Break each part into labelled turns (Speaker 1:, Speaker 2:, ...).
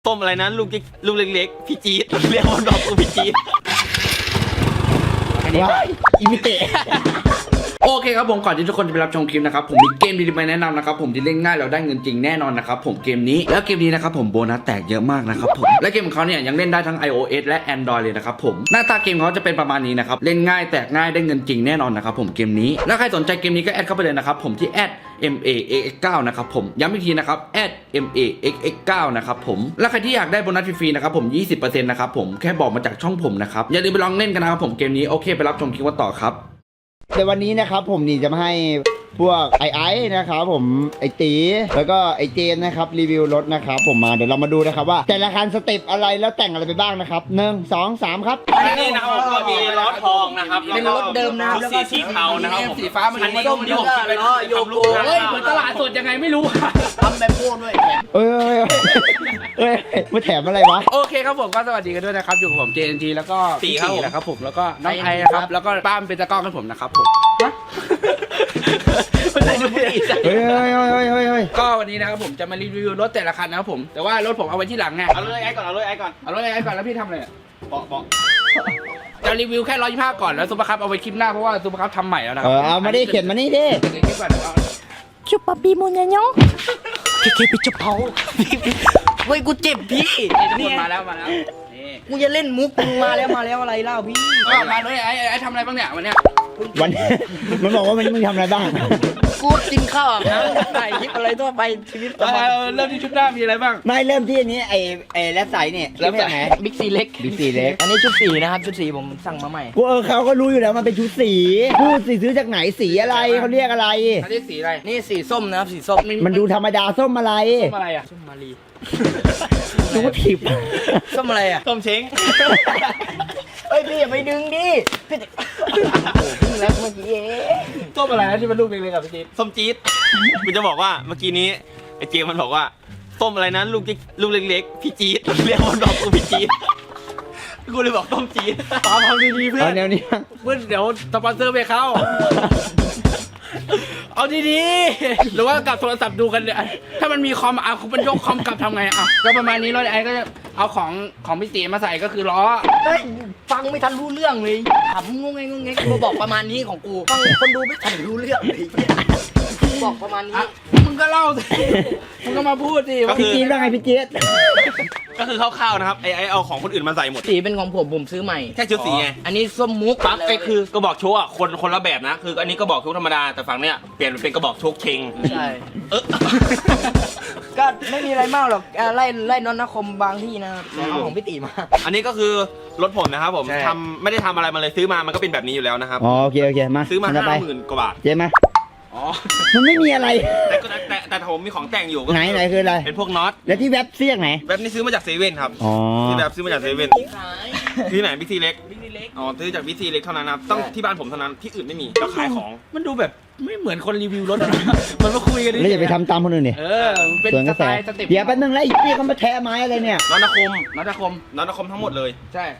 Speaker 1: ต้มอะไรนะลูกเล็กๆพี่จี๊ดเรียกว่าดอกกูพี่จี๊ด
Speaker 2: อันนี้อิมิเตะโอเคครับผมก่อนที่ทุกคนจะไปรับชมคลิปนะครับผมมีเกมดีๆมาแนะนำนะครับผมที่เล่นง่ายเราได้เงินจริงแน่นอนนะครับผมเกมนี้แล้วเกมนี้นะครับผมโบนัสแตกเยอะมากนะครับผมและเกมของเขาเนี่ยยังเล่นได้ทั้ง iOS และ Android เลยนะครับผมหน้าตาเกมเขาจะเป็นประมาณนี้นะครับเล่นง่ายแตกง่ายได้เงินจริงแน่นอนนะครับผมเกมนี้แล้วใครสนใจเกมนี้ก็แอดเข้าไปเลยนะครับผมที่MAXX9 นะครับผมย้ำอีกทีนะครับMAXX9 นะครับผมและใครที่อยากได้โบนัสฟรีๆนะครับผม 20% นะครับผมแค่บอกมาจากช่องผมนะครับอย่าลืมไปลองเล่นกันนะครับผมเกมนี้โอเคไปรับชมคลิปกันต่อครับ
Speaker 3: ในวันนี้นะครับผมนี่จะมาให้พวกไอ้นะครับผมไอ้ตีแล้วก็ไอ้เจนนะครับรีวิวรถนะครับผมมาเดี๋ยวเรามาดูนะครับว่าแต่ละคันสเต็ปอะไรแล้วแต่งอะไรไปบ้างนะครับ1 2 3ครับ
Speaker 1: นี่นะครับก็มีล้อทองนะครับเป็นรถเดิมนะครับแล้วก็สีเทานะครับผม
Speaker 2: สีฟ้ามัน
Speaker 1: อันนี้ก็ที่ผมคิดไปทำลูก
Speaker 2: เฮ้ยเหมือนตลาดสดยังไงไม่รู้
Speaker 4: ทำแบบพวกด้วย
Speaker 3: เอ้ยมาแถมอะไรวะ
Speaker 2: โอเคครับผมก็สวัสดีกันด้วยนะครับอยู่กับผม JNT แล้วก็ตีนะครับผมแล้วก็น้องไอนะครับแล้วก็ป้ามเป็นตะก้องให้ผมนะครับผม
Speaker 3: เฮ้ย
Speaker 2: ก็วันนี้นะครับผมจะมารีวิวรถแต่ละคันนะครับผมแต่ว่ารถผมเอาไว้ที่หลังไง
Speaker 1: เอาเลยไอ้ก่อนเอาเลยไอ้ก่อน
Speaker 2: แล้วพี่ทำอะไร
Speaker 1: เบาะ
Speaker 2: จะรีวิวแค่125ก่อนแล้วซุปเปอร์คัพเอาไว้คลิปหน้าเพราะว่าซุปเปอร์คัพทำใหม่แล้วนะ
Speaker 3: เอามาดิเขียนมานี่ดิ
Speaker 2: คลิปก่อน
Speaker 4: ชุบปะปีมูนยังยังเคไปจุบเผาเฮ้ยกูเจ็บพี่
Speaker 2: นี่มาแล้ว
Speaker 4: กูจะเล่นมุกมึงมาแล้วอะไรเล่าพี่
Speaker 2: ก็มาเลยไอ้ทำอะไรบ้างเนี่ยวันเนี้ย
Speaker 3: มันบอกว่ามึงทำอะไรบ้าง
Speaker 4: กูกินข้าวนะถ่ายคลิปอะไรทั่วไปชีวิตประจำวัน
Speaker 2: เริ่มที่ชุดหน้ามีอะไรบ้าง
Speaker 3: ไม่เริ่มที่อันนี้ไอ้แรปใสเนี่ย
Speaker 2: แรปใส
Speaker 4: บิ๊กซีเล็กอันนี้ชุดสีนะครับชุดสีผมสั่งมาใหม่
Speaker 3: กูเขาก็รู้อยู่แล้วมันเป็นชุดสีพูดสีซื้อจากไหนสีอะไรเขาเรียกอะไร
Speaker 2: อันนี้สีอะไร
Speaker 4: นี่สีส้มนะครับสีส้ม
Speaker 3: มันดูธรรมดาส้มอะไร
Speaker 2: อ่ะ
Speaker 4: ส้มมารี
Speaker 3: ดูว่าผิด
Speaker 4: ส้มอะไรอ่ะ
Speaker 1: ส้มเช้ง
Speaker 4: เฮ้ยพี่อย่าไปดึงดิพี่โอ้พึ่งแล้วเมื่อกี้
Speaker 2: ส้มอะไรที่มันลูกเล็กๆกับพี่จี๊ด
Speaker 1: ส้มจี๊ดมันจะบอกว่าเมื่อกี้นี้ไอ้เจมมันบอกว่าส้มอะไรนะลูกเล็กๆพี่จี๊ดเรียกว่าดอกกูพี่จี๊ดกูเลยบอกส้มจี๊ด
Speaker 2: ตามทำดีๆเพื่อน
Speaker 3: แนวนี้
Speaker 2: เพื่อนเดี๋ยวสปอนเซอร์ไปเข้าเอาดีๆหรือว่ากับโทรศัพท์ดูกันเนี่ยถ้ามันมีคอมคุณเป็นยกคอมกลับทำไงอ่ะก็ประมาณนี้รถไอ้ก็จะเอาของพี่ตีมาใส่ก็คือล้อ
Speaker 4: ฟังไม่ทันรู้เรื่องเลยถามงงไงกูบอกประมาณนี้ของกูฟังคนดูไม่ทันรู้เรื่องเลยบอกประมาณนี้
Speaker 2: มึงก็เล่าสิมึงก็มาพูดสิ
Speaker 3: พี่จี๊ดว่าไงพี่จี๊ด
Speaker 1: ก็คือคร่าวๆนะครับไอ้เอาของคนอื่นมาใส่หมด
Speaker 4: สีเป็นของผมซื้อใหม่
Speaker 1: แค่ชุดสีไง
Speaker 4: อันนี้ส้มมุก
Speaker 1: ปั๊บไอ้คือกระบอกโชกอ่ะคนละแบบนะคืออันนี้กระบอกโชกธรรมดาแต่ฝั่งเนี้ยเปลี่ยนเป็นกระบอกโชกเชง
Speaker 4: ใช่ก็ไม่มีอะไรมากหรอกไล่นอนนคมบางที่นะครับเอาของพี่ตีมา
Speaker 1: อันนี้ก็คือรถผมนะครับผมไม่ได้ทำอะไรมาเลยซื้อมามันก็เป็นแบบนี้อยู่แล้วนะครับ
Speaker 3: โอเคมา
Speaker 1: ซื้อมา50,000 กว่าบาท
Speaker 3: เจ๊มามันไม่มีอะไร
Speaker 1: แต่ผมมีของแต่งอยู่
Speaker 3: ไหนคืออะไร
Speaker 1: เป็นพวกน็อต
Speaker 3: แล้วที่เว็บเสี้ยงไหน
Speaker 1: เว็บนี้ซื้อมาจากเซเว่นครับที่แบบซื้อมาจากเซเว่นที่ไหนบิ๊กซีเล็กอ๋อซื้อจากบิ๊กซีเล็กเท่านั้นนะต้องที่บ้านผมเท่านั้นที่อื่นไม่มีเราขายของ
Speaker 2: มันดูแบบไม่เหมือนคนรีวิวรถนะมันมาคุยกันดิ
Speaker 3: แล้วอย่าไปทำตามคนอื่นดิ
Speaker 2: เป็นสไตล์สเต็ป
Speaker 3: เดี๋ยวแป๊บนึงแล้วพี่เขามาแทะไม้อะไรเนี่ย
Speaker 1: น็อต
Speaker 2: นาคม
Speaker 1: ทั้งหมดเลย
Speaker 2: ใช่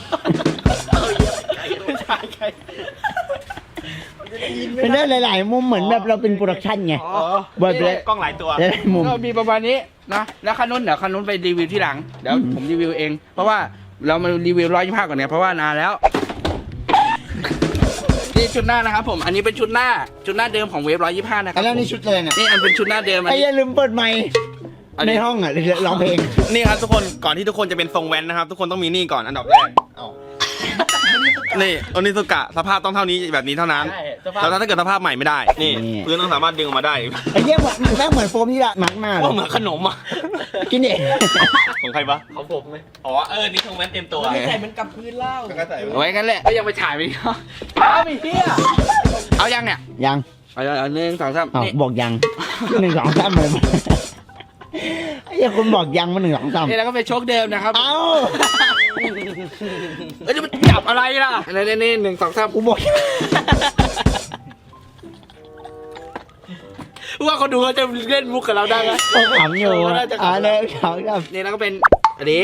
Speaker 3: เป็นได้หลายๆมุมเหมือนแบบเราเป็นโปรดักชั่นไง
Speaker 1: บนเลยกล้องหลายตัว
Speaker 2: ก็มีประมาณนี้นะแล้วคันนู้นเดี๋ยวคันนู้นไปรีวิวที่หลังเดี๋ยวผมรีวิวเองเพราะว่าเรามารีวิว125ก่อนเนี่ยเพราะว่านานแล้วนี่ชุดหน้านะครับผมอันนี้เป็นชุดหน้าเดิมของเวฟ125นะครับ
Speaker 3: แล้วนี่ชุดอะไรเนี่ย
Speaker 2: นี่อันเป็นชุดหน้าเดิม
Speaker 3: ไอ้อย่าลืมเปิดไมค์ในห้องอ่ะร้องเพลง
Speaker 1: นี่ครับทุกคนก่อนที่ทุกคนจะเป็นทรงแว้นนะครับทุกคนต้องมีนี่ก่อนอันดับแรกนี่โอนิสุกะสภาพต้องเท่านี้แบบนี้เท่านั้นแล้วถ้าเกิดสภาพใหม่ไม่ได้นี่พื้นต้องสามารถดึงออกมาได้
Speaker 3: ไอ้เยี่ยมแม่เหมือนโฟมที่ละมักมาก
Speaker 1: เหมือนขนมอ่ะ
Speaker 3: กินเอง
Speaker 1: ของใครปะของผมไหมอ๋อนี่ทรงแว้นเต็มตัว
Speaker 4: ไม่ใส่มันกับพื้นเล่า
Speaker 2: ไว้กันแหละก็ยังไปถ่ายไปเอาไปเที่ยเอายังเนี่ย
Speaker 3: ยัง
Speaker 2: เอา1 2 3
Speaker 3: บอกยัง1 2 3เลยไอ้คุณบอกยังมา1 2 3
Speaker 2: นี่แล้วก็เป็นโชคเดิมนะครับ
Speaker 3: เอ้า
Speaker 2: จะมันจับอะไรล่ะนี่1 2 3
Speaker 3: กูบอก
Speaker 2: ว่าเขาดูเขาจะเล่นมุกกับเราได้ไหม
Speaker 3: เขาขำอยู่เลยเขาแบบ
Speaker 2: นี่แล้วก็เป็นอันนี้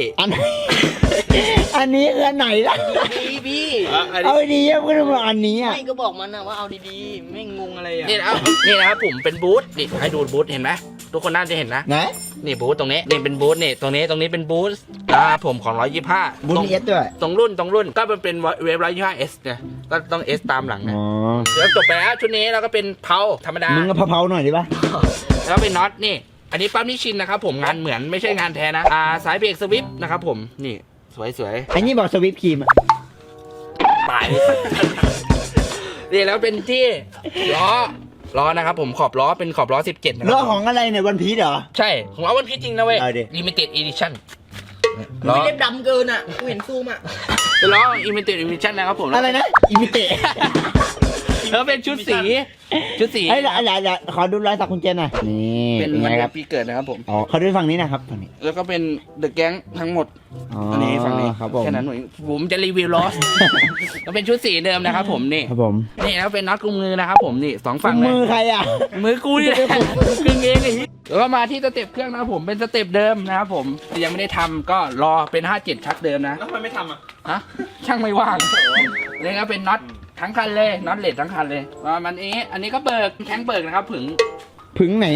Speaker 3: อันนี้คืออันไหนล่ะ
Speaker 4: พี่
Speaker 3: เอาดีๆก็ต้องบอกอันนี้อ่ะ
Speaker 4: ไม่ก็บอกมันนะว่าเอาดีๆไม่งงอะไรอ่ะ
Speaker 2: นี่นะครับผมเป็นบูธนี่ให้ดูบูธเห็นไหมทุกคนน่าจะเห็นนะ
Speaker 3: ไหน
Speaker 2: นี่บูทตรงนี้นี่เป็นบูทนี่ตรงนี้เป็นบูทผมของ125
Speaker 3: บุญเอสด้วย
Speaker 2: ตรงรุ่นก็มันเป็นเวฟ125S เนี่ยก็ต้อง S ตามหลังนะ
Speaker 3: อ๋อ
Speaker 2: แล้วจบไปแล้วชุดนี้เราก็เป็นเพาธรรมดา
Speaker 3: มึงก็เผาๆหน่อยดิป่ะ
Speaker 2: แล้วเป็นน็อตนี่ อันนี้ปั๊มนิชินนะครับผมงานเหมือนไม่ใช่งานแท้นะสายเบรกสวิปนะครับผมนี่สวย
Speaker 3: ไอ้นี่บอกสวิปครีมอะ
Speaker 2: ๆตาย นี่แล้วเป็นที่ล้อนะครับผมขอบล้อเป็นขอบล้อ17นะค
Speaker 3: ล้อ
Speaker 2: รับ
Speaker 3: ของอะไรเนี่ยวันพีชเหรอ
Speaker 2: ใช่ของเราวันพีชจริงนะเว้ย
Speaker 3: เอาดิ
Speaker 2: Limited Edition
Speaker 4: ไม่เล็บดำเกินอ่ะกูเห็นซูมอ่ะ
Speaker 2: เป็นล้อ Limited Edition นะครับผม
Speaker 3: อะไรนะอิมิเตะ
Speaker 2: แล้วเป็นชุดสี
Speaker 3: เฮ้ยอย่าขอดูรอยสักคุณเจนหน่อยนี่
Speaker 2: เป็น
Speaker 3: ไง
Speaker 2: วัน
Speaker 3: ค
Speaker 2: เดื
Speaker 3: รั
Speaker 2: อบ นปีเกิดนะครับผม
Speaker 3: อ๋อเขาดูฝั่งนี้นะครับฝั่งนี้
Speaker 2: แล้วก็เป็นเดอะแก๊งทั้งหมด
Speaker 3: อ๋อ
Speaker 2: อันนี้ฝั่งนี้
Speaker 3: ครับผม
Speaker 2: แค่นั้นผมจะรีวิวลอส ก็เป็นชุดสีเดิมนะครับผมนี่
Speaker 3: ครับผม
Speaker 2: นี่แล้วเป็นน็อตกุมมือนะครับผมนี่สองฝั่งเลย
Speaker 3: มือใครอ่ะ
Speaker 2: มือกูนี่แหละกึ่งเองไอ้แล้วก็มาที่สเต็ปเครื่องนะครับผมเป็นสเต็ปเดิมนะครับผมแต่ยังไม่ได้ทำก็รอเป็น57ชักเดิมนะ
Speaker 1: แล้วทำไมไม่ทำอ่ะ
Speaker 2: ฮะช่างไม่ว่างนี่ก็เป็นน็อตทั้งคันเลยน็อตเหล็กทั้งคันเลยว่ามันอันนี้ก็เบิกแข้งเบิกนะครับผึ่ง
Speaker 3: ผึ่งไหน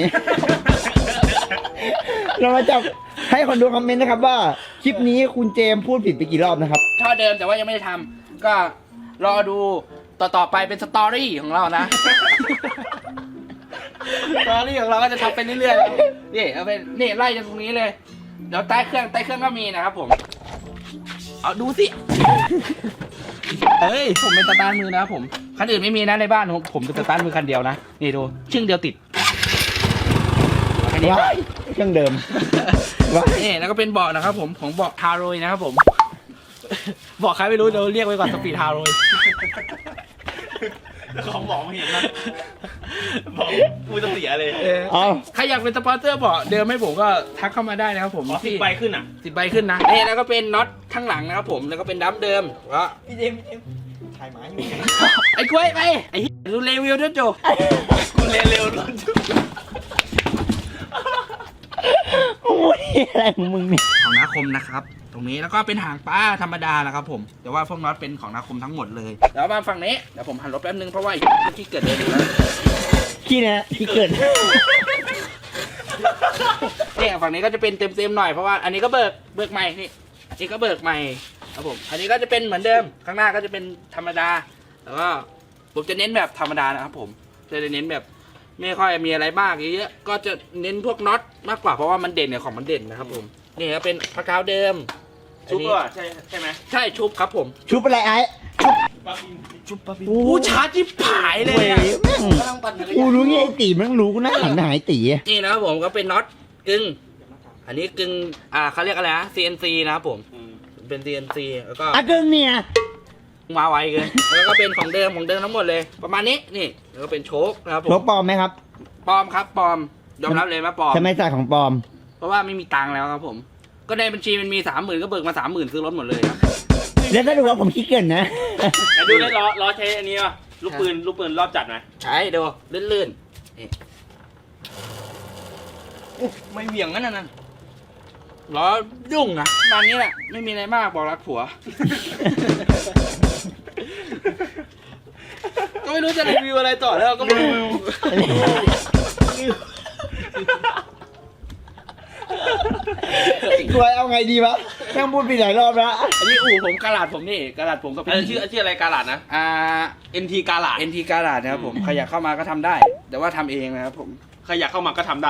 Speaker 3: เรามาจับให้คนดูคอมเมนต์นะครับว่าคลิปนี้คุณเจมส์พูดผิดไปกี่รอบนะครับ
Speaker 2: ท่อเดิมแต่ว่ายังไม่ได้ทำก็รอดูต่อไปเป็นสตอรี่ของเรานะ สตอรี่ของเราก็จะทำไปเรื่อยๆนี่เอาเป็นนี่ไล่จากตรงนี้เลยเดี๋ยวใต้เครื่องก็มีนะครับผมเอาดูสิเฮ้ยผมเป็นสตาร์ทมือนะครับผมคันอื่นไม่มีนะในบ้านผมเป็นสตาร์ทมือคันเดียวนะนี่ดูชึ่งเดียวติดอันนี้
Speaker 3: ว้ายเครื่องเดิม ว้าย
Speaker 2: นี่แล้วก็เป็นเบาะนะครับผมของเบาะทาโรยนะครับผมเบาะใครไม่รู้เดี๋ยวเรียกไว้ก่อนสปีดทาโรย
Speaker 1: ของบอกไม่เห็นนะบอกกูจะเสียเลย
Speaker 3: เอา
Speaker 2: ใครอยากเป็นสปอนเซอร์เบาะเดิมให้ผมก็ทักเข้ามาได้นะครับผม
Speaker 1: 10 ใบขึ้นอ่ะ
Speaker 2: 10 ใบขึ้นนะนี่แล้วก็เป็นน็อตข้างหลังนะครับผมแล้วก็เป็นดัมเดิมก็
Speaker 4: พี่เจมส์ถ่ายหมาอยู่
Speaker 2: ไอ้กล้วยไปไอ้เหี้ยดูรีวิวด้วยโจ
Speaker 1: กูเร็วๆรถ
Speaker 3: โอ้ยอะไรของมึงเนี่ย
Speaker 2: ของนาคมนะครับตรงนี้แล้วก็เป็นหางปลาธรรมดานะครับผมแต่ว่าพวกน็อตเป็นของนาคมทั้งหมดเลยแล้วมาฝั่งนี้เดี๋ยวผมหันรถแป๊บนึงเพราะว่าไอ้เมื่อกี้เกิดเลยนะ
Speaker 3: ขี้นะขี้เกิด
Speaker 2: นี่ฝั่งนี้ก็จะเป็นเต็มๆหน่อยเพราะว่าอันนี้ก็เบิกใหม่นี่อันนี้ก็เบิกใหม่ครับผมอันนี้ก็จะเป็นเหมือนเดิมข้างหน้าก็จะเป็นธรรมดาแล้วก็ผมจะเน้นแบบธรรมดานะครับผมจะเน้นแบบไม่ค่อยมีอะไรมากเยอะก็จะเน้นพวกน็อตมากกว่าเพราะว่ามันเด่นเนี่ยของมันเด่นนะครับผมนี่ก็เป็นพะกาวเดิม
Speaker 1: ชุบป่ะใช่ไหม
Speaker 2: ใช่ชุบครับผม
Speaker 3: ชุบอะไรไอ้
Speaker 2: ชุบปะพี่โอ้ชาร์จที่ผายเลย
Speaker 3: เว้ย
Speaker 2: อะ
Speaker 3: แม่ง
Speaker 4: กำลังปั่นจักร
Speaker 3: กู
Speaker 4: ยาน
Speaker 3: รู้ไงไอ้ตีมันรู้กูน่าหันไปหาไอ้ตี
Speaker 2: นี่นะครับผมก็เป็นน็อตกึ่งอันนี้กึ่งเขาเรียกอะไรนะ CNC นะครับผมเป็น CNC แล้วก็
Speaker 3: อ่ะเกินเนี่ย
Speaker 2: มาไวเกินแล้วก็เป็นของเดิมทั้งหมดเลย ประมาณนี้นี่แล้วก็เป็นโชคนะครับผม
Speaker 3: รถปลอมไหมครับ
Speaker 2: ปลอมครับปลอมยอมรับเลยว่าปลอม
Speaker 3: ทำไมใส่ของปลอม
Speaker 2: เพราะว่าไม่มีตังค์แล้วครับผม ก็ในบัญชีมันมี 30,000ก็เบิกมา 30,000ซื้อรถหมดเลยครับ
Speaker 3: แล้วถ้าดูว่าผมขี้เกินนะ
Speaker 1: ไหนดูได้ล้อใช้อันนี้ป่ะลูกปืนรอบจัดไหม
Speaker 2: ใช่ดูลื่นๆนี่
Speaker 4: ไม่เหวี่ยงนั่นน่ะ
Speaker 2: ล้อยุ่งนะประมาณนี้แหละไม่มีอะไรมากบอกรักผัว ก็ไม่รู้จะรีวิวอะไรต่อแล้วก็ไม่รู้
Speaker 3: กลัวเอาไงดีวะแม่งพูดไปหลายรอบแล้ว
Speaker 2: อันนี้อู่ผมกาลาดผมนี่กาลาดผมก็เป็น
Speaker 1: ชื่ออะไรกาลาดนะ NT กาลาด
Speaker 2: NT กาลาดนะครับผมใครอยากเข้ามาก็ทำได้ แต่ว่าทำเองนะครับผม
Speaker 1: ใครอยากเข้ามาก็ทำได้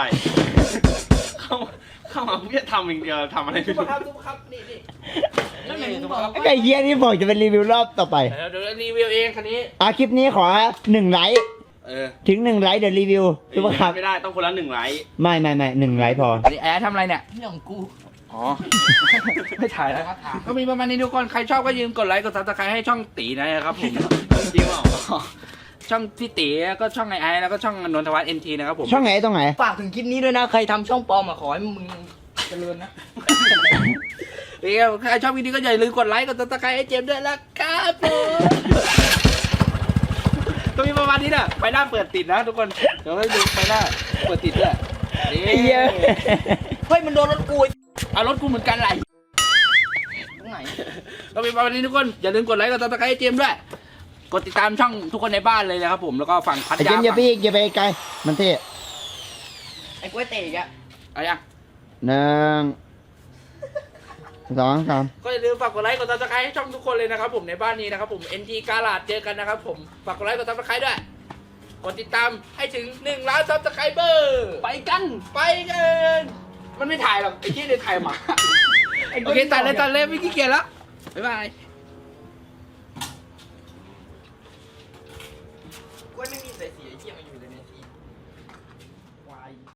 Speaker 1: เข้ามาเพื่อทำอย่างเดียวทำอะไรไม่รู้
Speaker 2: ครับนี่
Speaker 4: นั่นไงมึงบอกว่า
Speaker 3: ไอ้เฮียนี่บอกจะเป็นรีวิวรอบต่อไป
Speaker 2: เดี๋ยวรีวิวเองคันนี้
Speaker 3: คลิปนี้ขอ1 ไลค์ ถึง1 ไลค์เดี๋ยวรีวิวรู้ปะครับ
Speaker 1: ไม่ได้ต้องคนละ1 ไลค์
Speaker 3: ไม่1 ไลค์พอ
Speaker 2: อันนี้แอร์ทำอะไรเนี่ย
Speaker 4: เรื่องของกู
Speaker 2: อ๋อ ไม่ถ่ายแล้วก็มีประมาณนี้ทุกคน ใครชอบก็ยืมกดไลค์กดซับสไครต์ให้ช่องตีนะครับผม
Speaker 1: จริงเปล่า
Speaker 2: ช่องพี่ตีก็ช่องไอแล้วก็ช่องนนทวัฒน์ NT นะครับผม
Speaker 3: ช่องไหนตรงไหน
Speaker 4: ฝากถึงคลิปนี้ด้วยนะ ใครทำช่องปลอมขอให้มึงเจริญนะ
Speaker 2: ใครชอบวิดีโอก็อย่าลืมกดไลค์กดซับสไครต์ให้เจมส์ด้วยนะครับผมก็มีประมาณนี้นะไฟหน้าเปิดติดนะทุกคน เดี๋ยวให้ดูไฟหน้าเปิดติดด้วยนี่
Speaker 3: ไอ้เหี้ย
Speaker 4: เฮ้ยมันโดนรถกู
Speaker 2: เอารถกูเหมือนกันไหล
Speaker 4: ตรงไหน
Speaker 2: ก็มีประมาณนี้ทุกคนอย่าลืมกดไลค์กดซับสไครต์ให้เจมส์ด้วยกดติดตามช่องทุกคนในบ้านเลยนะครับผมแล้วก็ฝั่งพัท
Speaker 3: ไอ้เจ
Speaker 2: ยาม
Speaker 3: อย่าไปอีกอย่าไปไกลมันเท่
Speaker 4: ไอ้กล้วยเตะอีกอะ
Speaker 2: อะไรอ่ะ
Speaker 3: 1 2 3
Speaker 2: ก็อย่าลืมฝากกดไลค์กด subscribe ให้ช่องทุกคนเลยนะครับผมในบ้านนี้นะครับผม NT กาลาดเจอกันนะครับผมฝากกดไลค์กด subscribe ด้วยกดติดตามให้ถึง1 ล้าน subscriber
Speaker 4: ไปกัน
Speaker 2: ไปกันมันไม่ถ่ายหรอกไอ้ที่เลยถ่ายหมาโอเคตัดเลยไม่ขี้เกียจแล้วบ๊ายบาย
Speaker 1: กูไม่มีใส่สีไอ้เหี้ยมาอยู่เลยเนี่ย